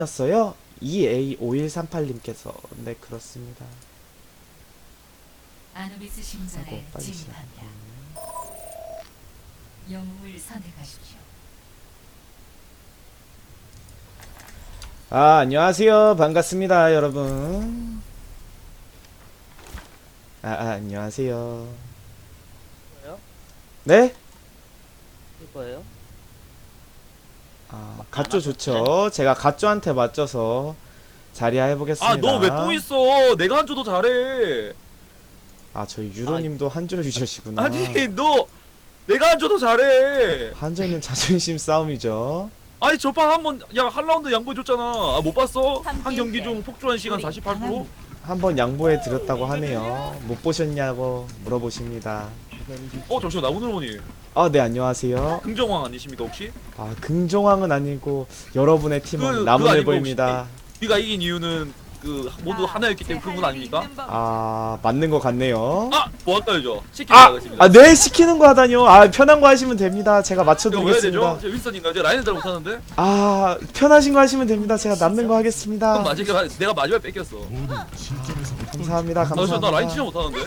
였어요. EA5138님께서. 네, 그렇습니다. 아누비스 신전에 아이고, 빨리 진입합니다. 영웅을 선택하십시오. 안녕하세요. 반갑습니다, 여러분. 안녕하세요. 뭐요? 네? 이거예요? 갓조 좋죠. 제가 갓조한테 맞춰서 자리야 해보겠습니다. 너 왜 또 있어? 내가 한조 더 잘해. 저희 유로님도 한조 유저시구나. 아니 너 내가 한조 더 잘해. 한조는 자존심 싸움이죠. 아니 저판 한번 한 라운드 양보해줬잖아. 못 봤어? 한 경기 중 폭주한 시간 48%? 한번 양보해 드렸다고 하네요. 못 보셨냐고 물어보십니다. 잠시만 나무늘 보니 네, 안녕하세요. 긍정왕 아니십니까 혹시? 긍정왕은 아니고 여러분의 팀은 그거 나무늘 아니고 보입니다. 네가 이긴 이유는 모두 하나였기 때문에 그분 아닙니까? 맞는 것 같네요. 뭐 할까요? 시키는 거겠습니다. 네, 시키는 거 하다뇨. 편한 거 하시면 됩니다. 제가 이거 왜 맞춰드리겠습니다. 되죠? 제 윈스턴인가? 제가 라인을 잘 못하는데? 편하신 거 하시면 됩니다. 제가 남는 거 하겠습니다. 내가 마지막에 뺏겼어. 감사합니다. 나 라인 진짜 감사합니다. 못하는데?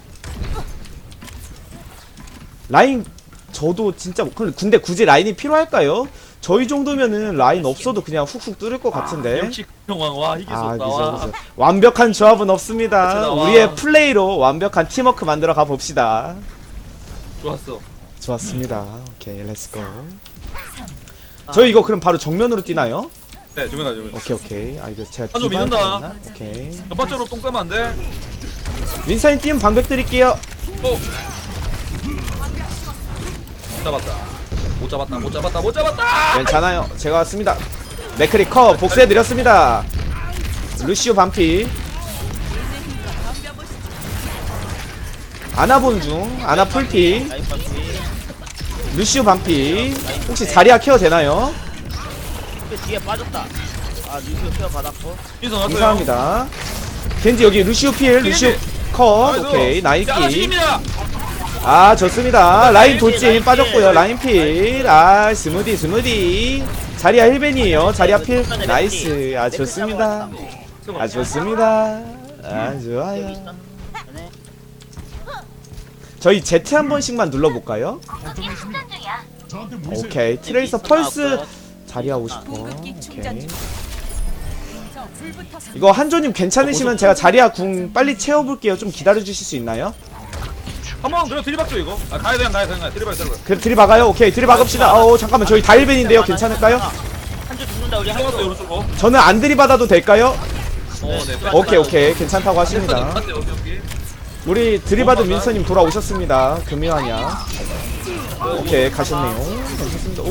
라인 저도 진짜 근데 굳이 라인이 필요할까요? 저희 정도면은 라인 없어도 그냥 훅훅 뚫을 것 같은데. 역시 긍정왕 와 이길 수 없다. 그죠. 완벽한 조합은 없습니다. 그치, 나와. 우리의 플레이로 완벽한 팀워크 만들어 가 봅시다. 좋았어. 좋았습니다. 오케이, 렛츠고. 저희 이거 그럼 바로 정면으로 뛰나요? 네, 정면하죠. 오케이. 이거 제가 한조 디바한테 믿는다. 했나? 오케이. 첫 번째로 똥 싸면 안 돼. 윈사인 뛰면 방벽 드릴게요. 못 잡았다. 괜찮아요. 제가 왔습니다. 맥크리 컷 복수해드렸습니다. 루시오 반피. 아나 보는 중. 아나 풀피. 라인 파티. 루시오 반피. 혹시 자리아 케어 되나요? 근데 뒤에 빠졌다. 뉴스 케어 받았고. 인선 왔어요. 감사합니다. 겐지 여기 루시오 필. 루시오 컷. 오케이. 나이키. 좋습니다. 라인 돌진 빠졌고요. 라인 필. 스무디. 자리아 힐벤이에요. 자리아 필. 나이스. 좋습니다. 좋습니다. 좋아요. 저희 Z 한 번씩만 눌러볼까요? 오케이. 트레이서 펄스. 자리아 50%. 오케이. 이거 한조님 괜찮으시면 제가 자리아 궁 빨리 채워볼게요. 좀 기다려주실 수 있나요? 한번 그냥 들이박죠 이거. 가야 돼. 들이박. 그래, 들이박아요? 오케이, 들이박읍시다. 잠깐만, 저희 다일벤인데요. 괜찮을까요? 한줄 죽는다 우리 들어갔어요 한줄. 오른쪽으로. 저는 안 들이받아도 될까요? 네. 오케이. 괜찮다고 하십니다. 오케이. 우리 들이받은 윈서님 돌아오셨습니다. 금요하냐? 오케이, 가셨네요. 괜찮습니다.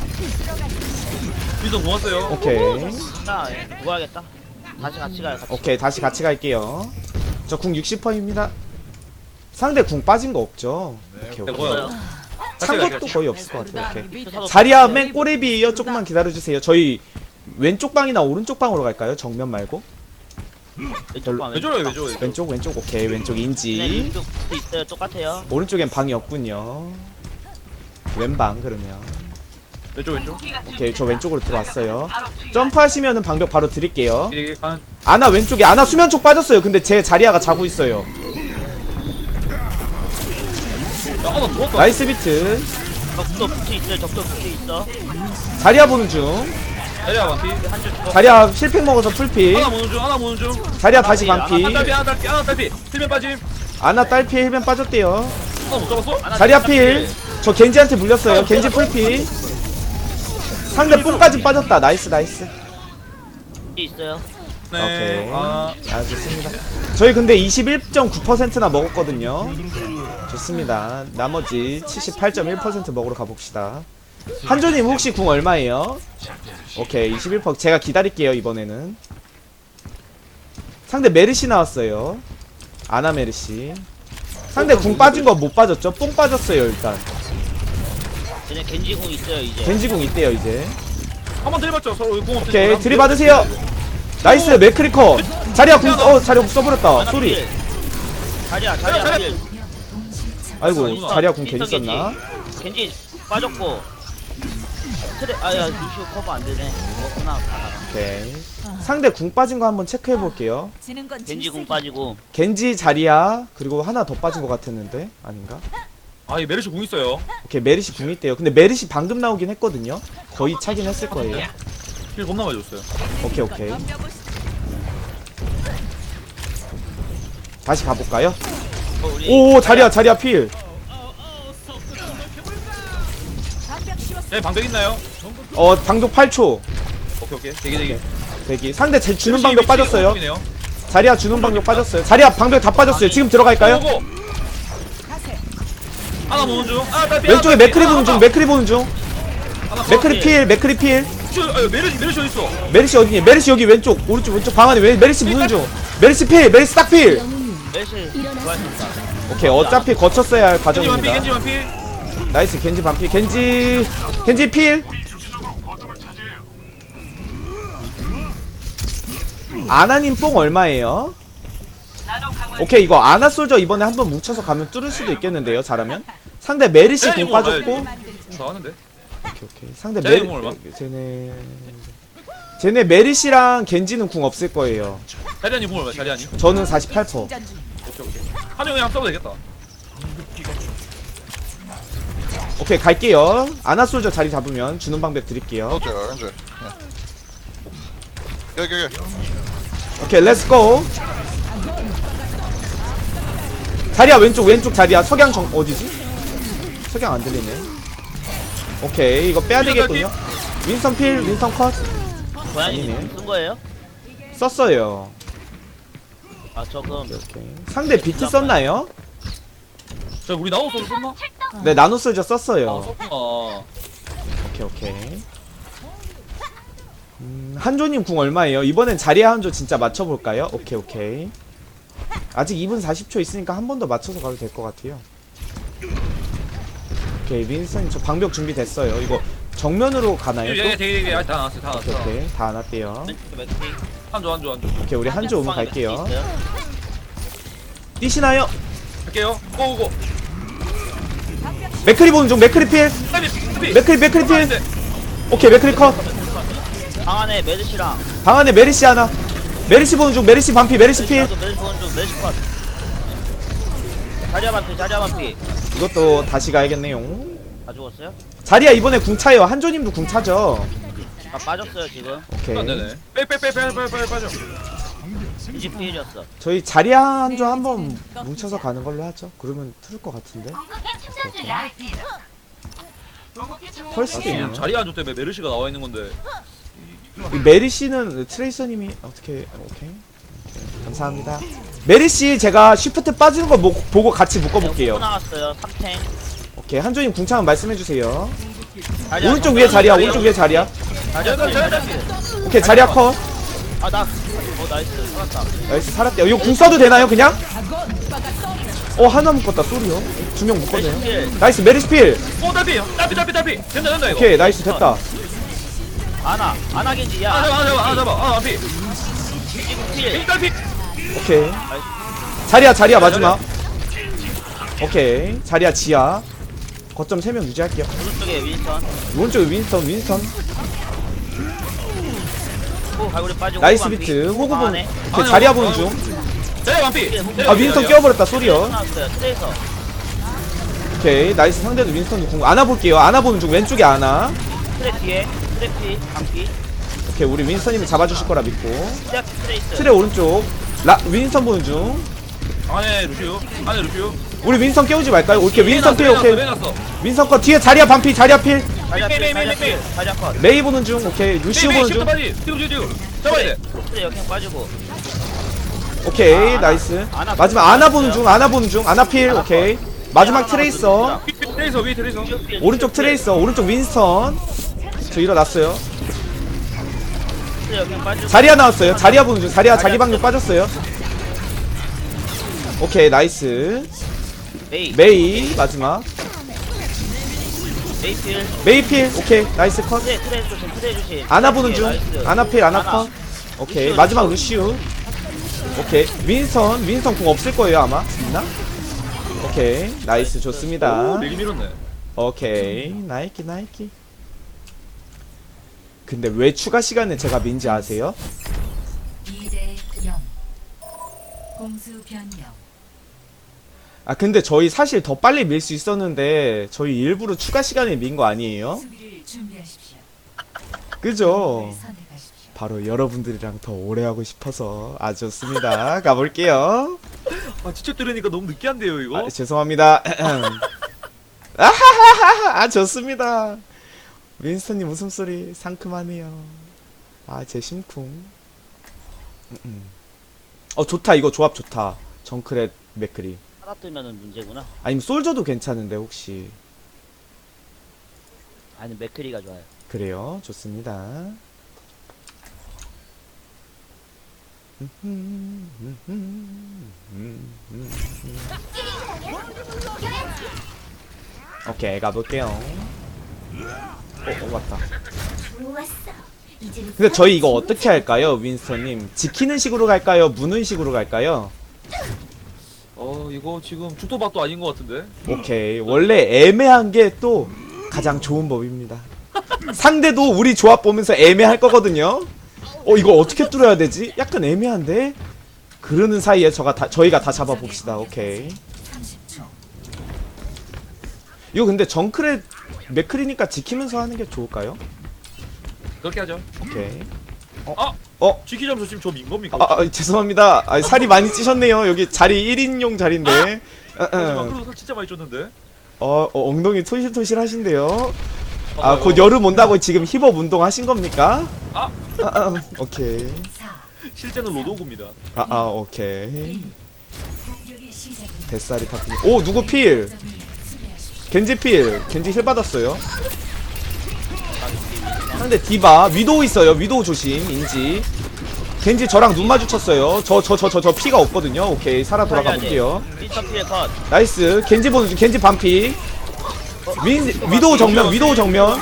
인선 고맙어요. 오케이. 누가 하겠다. 다시 같이 가요. 오케이, 다시 같이 갈게요. 저 궁 60%입니다. 상대 궁 빠진 거 없죠? 오케이. 뭐야? 찬 것도 거의 없을 것 같아요. 오케이. 사도 자리아 맨 꼬레비에요. 조금만 기다려주세요. 저희 왼쪽 방이나 오른쪽 방으로 갈까요? 정면 말고? 왼쪽 방. 왜 저래요? 왼쪽. 오케이, 왼쪽 네, 인지. 왼쪽 있어요. 똑같아요. 오른쪽엔 방이 없군요. 왼방 그러면. 왼쪽. 오케이, 저 왼쪽으로 들어왔어요. 점프하시면은 방벽 바로 드릴게요. 이게 간. 아나 왼쪽에 아나 수면 쪽 빠졌어요. 근데 제 자리아가 자고 있어요. 나 죽었다. 나이스 비트. 적도 붙어 있어요. 적도 붙어 있어. 자리아 보는 중. 자리야 반피. 한줄 죽어. 자리아 실패 먹어서 풀피. 하나 모는 중. 자리아 다시 반피. 하나 딸피. 틀면 빠짐. 아나 딸피 힐벤 빠졌대요. 하나 못 잡았어? 자리아 필. 저 겐지한테 물렸어요. 겐지 풀피. 상대 뽕까지 빠졌다. 나이스. 뒤에 있어요. 네. 오케이. 좋습니다. 저희 근데 21.9%나 먹었거든요. 좋습니다. 나머지 78.1% 먹으러 가봅시다. 한조님 혹시 궁 얼마예요? 오케이, 21%. 제가 기다릴게요. 이번에는 상대 메르시 나왔어요. 아나 메르시. 상대 궁 빠진 거 못 빠졌죠? 뽕 빠졌어요. 일단 쟤네 겐지공 있어요 이제. 겐지궁 있대요. 이제 한번 들이박죠. 서로 공 없을 오케이, 들이받으세요. 나이스. 맥크리커. 자리야 궁 자리야 궁 써버렸다. 소리. 자리야. 아이고, 자리야 궁 괜히 썼나? 겐지 빠졌고. 트레 아야 루시오 커버 안 되네. 그렇구나. 오케이. 상대 궁 빠진 거 한번 체크해 볼게요. 지는 건 겐지 공 빠지고. 겐지 자리야 그리고 하나 더 빠진 것 같았는데 아닌가? 아이 메르시 궁 있어요. 오케이 메리시 궁 있대요. 근데 메리시 방금 나오긴 했거든요. 거의 차긴 했을 거예요. 힐 겁나 많이 줬어요. 오케이. 다시 가볼까요? 우리 오 자리야 필. 네 방벽 있나요? 방독 8초. 오케이. 대기. 대기. 상대 주는 방벽 빠졌어요. 방벽이네요. 자리야 주는 방벽 빠졌어요. 자리야 방벽 다 빠졌어요. 지금 들어갈까요? 오고. 하나 보는 중. 왼쪽에 맥크리 보는 중. 맥크리 보는 중. 맥크리 필. 메르시 어디 있어? 메리시 어디니? 메리시 여기 왼쪽 오른쪽 방 안에 메리시 무는 중. 메리시 필. 메리시 딱 필. 메시 좋아했습니다. 오케이 어차피 거쳤어야 할 겐지 과정입니다. 반피. 나이스 겐지 반피. 겐지 필. 아나님 뽕 얼마예요? 오케이 이거 아나 솔저 이번에 한번 뭉쳐서 가면 뚫을 수도 있겠는데요. 잘하면 상대 메리시 공 빠졌고. 좋아하는데. 오케이. 상대 쟤네 공 얼마? 쟤네 메리시랑 겐지는 궁 없을 거예요. 자리아니 공 얼마? 자리아니. 저는 48%. 오케이. 한영이 한번 써도 되겠다. 오케이 갈게요. 아나 솔저 자리 잡으면 주는 방법 드릴게요. 현재. 여기. 오케이 렛츠고. 자리야 왼쪽 자리야. 석양 어디지? 석양 안 들리네. 오케이 이거 빼야 되겠군요. 윈선 필 윈선 컷 고양이 아니네. 쓴 거예요? 썼어요. 아 조금 오케이. 상대 비트 썼나요? 자 우리 나우 소리 썼나? 네 나노 솔저 아 썼어요. 썼구나. 오케이. 한조님 궁 얼마예요? 이번엔 자리야 한조 진짜 맞춰볼까요? 오케이. 아직 2분 40초 있으니까 한 번 더 맞춰서 가도 될 것 같아요. 오케이 윈슨 저 방벽 준비됐어요. 이거 정면으로 가나요 또? 되게 다 나왔어. 오케이 다 안 왔대요. 맥시 한조. 오케이 우리 한조 오면 방에 갈게요. 맥시 있어요? 뛰시나요? 갈게요. 고고고. 맥크리 보는 중. 맥크리 필. 맥크리 필. 오케이 맥크리 컷. 방 안에 메르시랑 방 안에 메리시 하나. 메리시 보는 중. 메리시 반피. 메리시 필. 나도 메르시 보는 중 메르시 컷. 자리야 반피. 이것도 다시 가야겠네요. 다 죽었어요? 자리야 이번에 궁 차요. 한조님도 궁 차죠. 아 빠졌어요 지금. 오케이. 안 되네. 빨리 빠져. 이지 피해졌어. 저희 자리야 한조 한번 뭉쳐서 가는 걸로 하죠. 그러면 틀을 것 같은데. 털 수도 있네요. 자리 안 좋대. 메르시가 나와 있는 건데. 이 메리시는 트레이서님이 어떻게 오케이. 감사합니다. 메리시 제가 쉬프트 빠지는 거 보고 같이 묶어볼게요. 나왔어요. 3탱. 오케이 한조님 궁차면 말씀해주세요. 오른쪽 위에 자리야. 자리야 오케이 자리야 컷. 아나 나이스 살았다. 나이스 살았대요. 이거 궁 써도 되나요 그냥? 하나 묶었다. 쏘리요. 두 명 묶었네요. 메르시 나이스 메리시 필. 딸피. 된다 이거. 오케이 나이스 됐다. 아나 겐지 야. 잡아. 앞이. 지금 필. 딸피. 오케이 자리야 마지막. 오케이 자리야 지하. 거점 3명 유지할게요. 오른쪽에 윈선. 오른쪽에 윈스턴. 호 갈고리 빠지고. 나이스 호구 비트. 반피. 호구 방 본. 안에. 오케이 자리야 보는 중. 자리 반피. 아 윈스턴 끼워버렸다. 쏘리요. 나왔어요. 트레이서. 오케이 나이스. 상대도 윈스턴 궁 안아 볼게요. 안아 보는 중. 왼쪽에 안아. 트레 뒤에. 트레피. 반피. 오케이 우리 윈스턴님이 잡아주실 거라 믿고. 트레이스. 트레 오른쪽. 윈스턴 보는 중. 안에 루시오. 우리 윈스턴 깨우지 말까요? 오케이 윈스턴 필. 오케이 놨어. 윈스턴 컷. 뒤에 자리야 반피. 자리야 필. 자리야 필. 자리야 컷. 메이 보는 중. 오케이 루시오 보는 중. 뛰고. 잡아야 돼. 트레 역행 빠지고. 오케이 나이스. 아나 마지막 아나 보는 중. 아나 필. 오케이 마지막 트레이서. 위에 트레이서. 오른쪽 트레이서. 오른쪽 윈스턴. 저 일어났어요. 트레 역행 빠지고. 자리야 나왔어요. 자리야 보는 중. 자리야 자기 방금 빠졌어요. 오케이 나이스. 메이 마지막. 메이필. 메이필. 오케이 나이스 컷. 트레 조심. 아나 보는 중. 나이스. 아나필 아나 컷. 오케이 루시우, 마지막 루시우. 루시우. 오케이 윈스턴 궁 없을 거예요 아마. 있나? 오케이 나이스 좋습니다. 내기 밀었네. 오케이 나이키 근데 왜 추가 시간을 제가 민지 아세요? 2대 0. 공수 변경. 아 근데 저희 사실 더 빨리 밀 수 있었는데 저희 일부러 추가 시간에 민 거 아니에요? 수비를 준비하십시오. 그죠? 영웅을 선택하십시오. 바로 여러분들이랑 더 오래 하고 싶어서 아 좋습니다. 가볼게요. 아 직접 들으니까 너무 느끼한데요 이거. 아, 죄송합니다. 아하하하 아 좋습니다. 윈스턴님 웃음소리 상큼하네요. 아 제 심쿵. 좋다 이거 조합 좋다. 정크렛 맥크리. 하나 뜨면은 문제구나. 아니면 솔저도 괜찮은데 혹시 아니 맥크리가 좋아요. 그래요? 좋습니다. 오케이 가볼게요. 왔다. 근데 저희 이거 어떻게 할까요, 윈스턴님? 지키는 식으로 갈까요? 무는 식으로 갈까요? 이거 지금 죽도밥도 아닌 것 같은데. 오케이 원래 애매한 게 또 가장 좋은 법입니다. 상대도 우리 조합 보면서 애매할 거거든요. 이거 어떻게 뚫어야 되지? 약간 애매한데? 그러는 사이에 저희가 다 잡아봅시다. 오케이 30초. 이거 근데 정크렛 맥크리니까 지키면서 하는 게 좋을까요? 그렇게 하죠. 오케이 지키점 조심 저 민 겁니까? 죄송합니다. 살이 많이 찌셨네요. 여기 자리 1인용 자리인데. 그래도 살 진짜 많이 쪘는데. 엉덩이 토실토실 하신데요. 곧 여름 온다고 지금 힙업 운동 하신 겁니까? 오케이. 4. 실제는 로도구입니다. 오케이. 공격의 시작입니다. 뱃살이 탔군요. 오, 누구 필? 수비하십시오. 겐지 필. 겐지 힐 받았어요. 상대 디바. 위도우 있어요. 위도우 조심. 인지. 겐지 저랑 눈 마주쳤어요. 저 피가 없거든요. 오케이. 살아 돌아가 볼게요. 윈스턴 피해 컷. 나이스. 겐지 보는 중. 겐지 반피. 위도우 정면. 위도우 정면.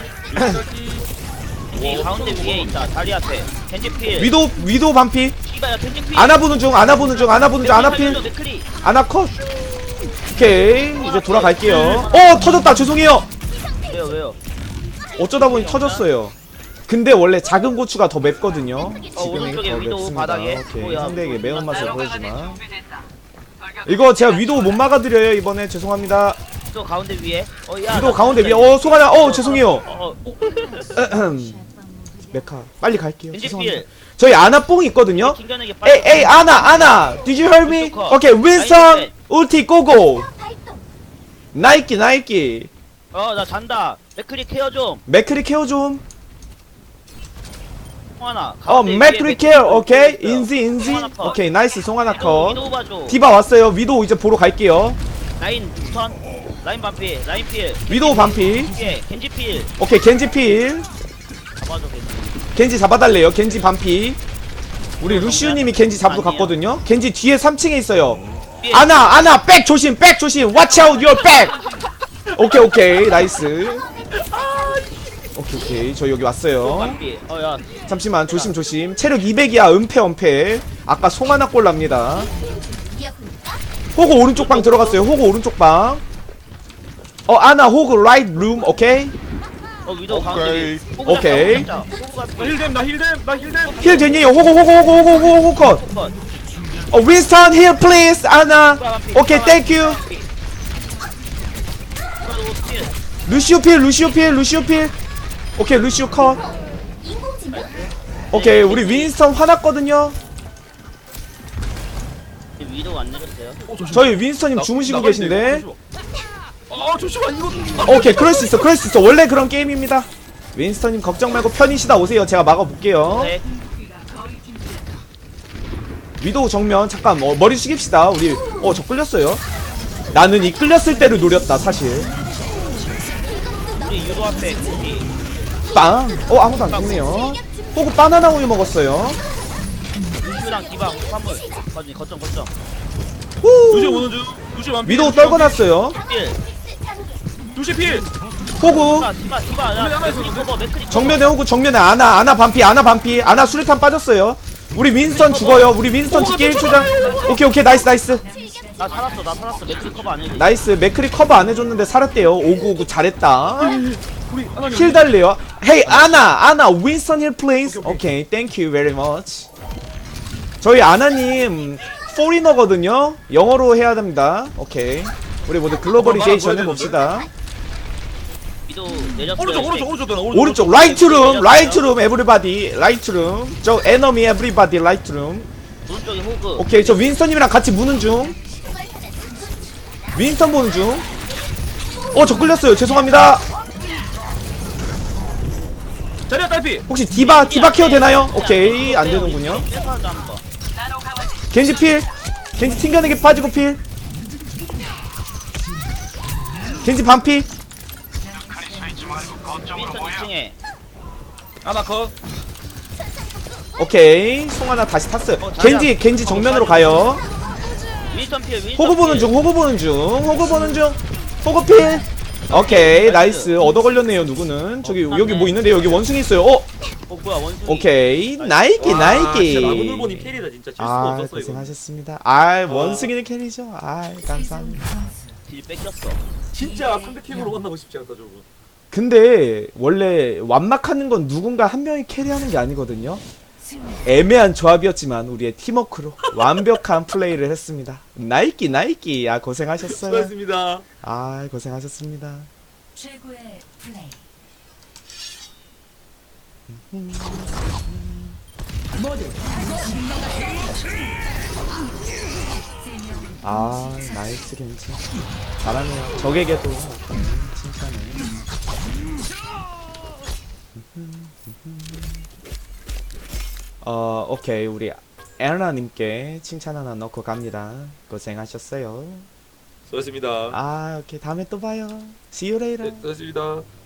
이 가운데 위에 있다. 다리 앞에. 겐지 필. 위도우 반피. 이봐야 겐지 필. 아나 보는 중. 아나 필. 맥크리. 아나 컷. 오케이. 이제 돌아갈게요. 터졌다. 죄송해요. 왜요? 어쩌다 보니 터졌어요. 근데 원래 작은 고추가 더 맵거든요. 오른쪽에 더 위도우 맵습니다. 바닥에. 오케이. 뭐야. 상대에게 매운맛을 보여주마. 이거 제가 위도우 못 막아드려요 이번에. 죄송합니다. 또 가운데 위에. 야. 위도우 가운데 위에. 송하나. 죄송해요. 메카 빨리 갈게요. 겐지 죄송합니다. 필. 저희 아나 뽕 있거든요. 킹견에게 빨리. 에이 아나 Did you hear me? 오케이 윈스턴 울티 고고. 나이키 나 잔다. 맥크리 케어 좀. 맥크리 케어 좀. 송하나. 맥크리 케어. 오케이 인지. 오케이 나이스 송하나 컷. 위도우 봐줘. 디바 왔어요. 위도우 이제 보러 갈게요. 라인 스턴. 라인 반피. 라인 필. 위도우 반피. 뒤에 겐지 필. 오케이 겐지 필. 잡아줘 겐지. 겐지 잡아달래요. 겐지 반피. 우리 루시우님이 겐지 잡으러 갔거든요. 겐지 뒤에 3층에 있어요. 아나 백 조심. Watch out your back. 오케이 나이스. 오케이 저 여기 왔어요. 반피. 야. 잠시만 조심. 체력 200이야. 은폐. 아까 송하나 꼴 납니다. 호그 오른쪽 방 들어갔어요. 호그 오른쪽 방. 아나 호그 라이트 룸. 오케이 위도우 가운데. 오케이. 나 힐댐. 힐 되니? 호그 컷. 윈스턴 힐 플리즈. 아나. 오케이 땡큐. 루시오 필. 오케이 루시오 컷. 오케이 우리 윈스턴 화났거든요. 위도우 안 내렸어요. 저희 윈스턴님 주무시고 계신데. 조심아 이거. 오케이 그럴 수 있어. 원래 그런 게임입니다. 윈스턴님 걱정 말고 편히 쉬다 오세요. 제가 막아볼게요. 네. 위도우 정면. 잠깐 머리 숙입시다. 우리 저 끌렸어요. 나는 이 끌렸을 때를 노렸다 사실. 우리 유도 앞에 겐지. 빵. 아무도 안 죽네요. 호구 바나나 우유 먹었어요. 루시랑 디바 화물. 거점. 루시 오는 중. 루시 완피. 위도우 떨궈놨어요. 필. 루시 필. 호구 디바. 야 맥크리 커버. 맥크리. 정면에 호구. 정면에 아나 반피. 아나 수류탄 빠졌어요. 우리 윈스턴 죽어요. 우리 윈스턴 죽기 1초전. 오케이 나이스. 나 살았어. 맥크리 커버 안 해줘. 나이스. 맥크리 커버 안 해줬는데 살았대요. 오구 잘했다. 우리 하나 힐 달래요. Hey 아나 윈스턴 힐 please. 오케이, thank you very much. 저희 아나님 포리너거든요. 영어로 해야 됩니다. 오케이. 우리 모두 글로벌리제이션 해봅시다. 위도 내렸어요. 오른쪽 라이트룸 에브리바디 라이트룸. 저 에너미 에브리바디 라이트룸. 오른쪽에 호그. 오케이, 저 윈스턴님이랑 같이 무는 중. 윈스턴 보는 중. 저 끌렸어요. 죄송합니다. 자리야 딸피. 혹시 디바 케어 되나요? 오케이, 안 되는군요. 겐지 필. 겐지 튕겨내게 빠지고 필. 겐지 반피. 윈스턴 2층에. 하나 컷. 오케이, 송 하나 다시 탔어요. 겐지 정면으로 가요. 윈스턴 필. 윈스턴 호구 보는 필. 중, 호구 보는 중. 호구 필. 오케이, 나이스. 얻어 걸렸네요. 누구는? 저기 여기 뭐 있는데 여기 원숭이 있어요. 뭐야 원숭이. 오케이, 나이키. 진짜 라그놀보님 캐리다 진짜 질 수가 없었어 이거. 고생하셨습니다. 원숭이는 캐리죠. 감사합니다. 딜 뺏겼어. 진짜 상대 팀으로 만나고 싶지 않다 저거. 근데 원래 완막하는 건 누군가 한 명이 캐리하는 게 아니거든요. 승리. 애매한 조합이었지만 우리의 팀워크로 완벽한 플레이를 했습니다. 나이키. 고생하셨어요. 수고하셨습니다. 고생하셨습니다. 최고의 플레이. 나이스 겐지. 잘하네요. 적에게도 칭찬해. 오케이, 우리 에르나님께 칭찬 하나 넣고 갑니다. 고생하셨어요. 수고하셨습니다. 오케이, 다음에 또 봐요. See you later. 네, 수고하셨습니다.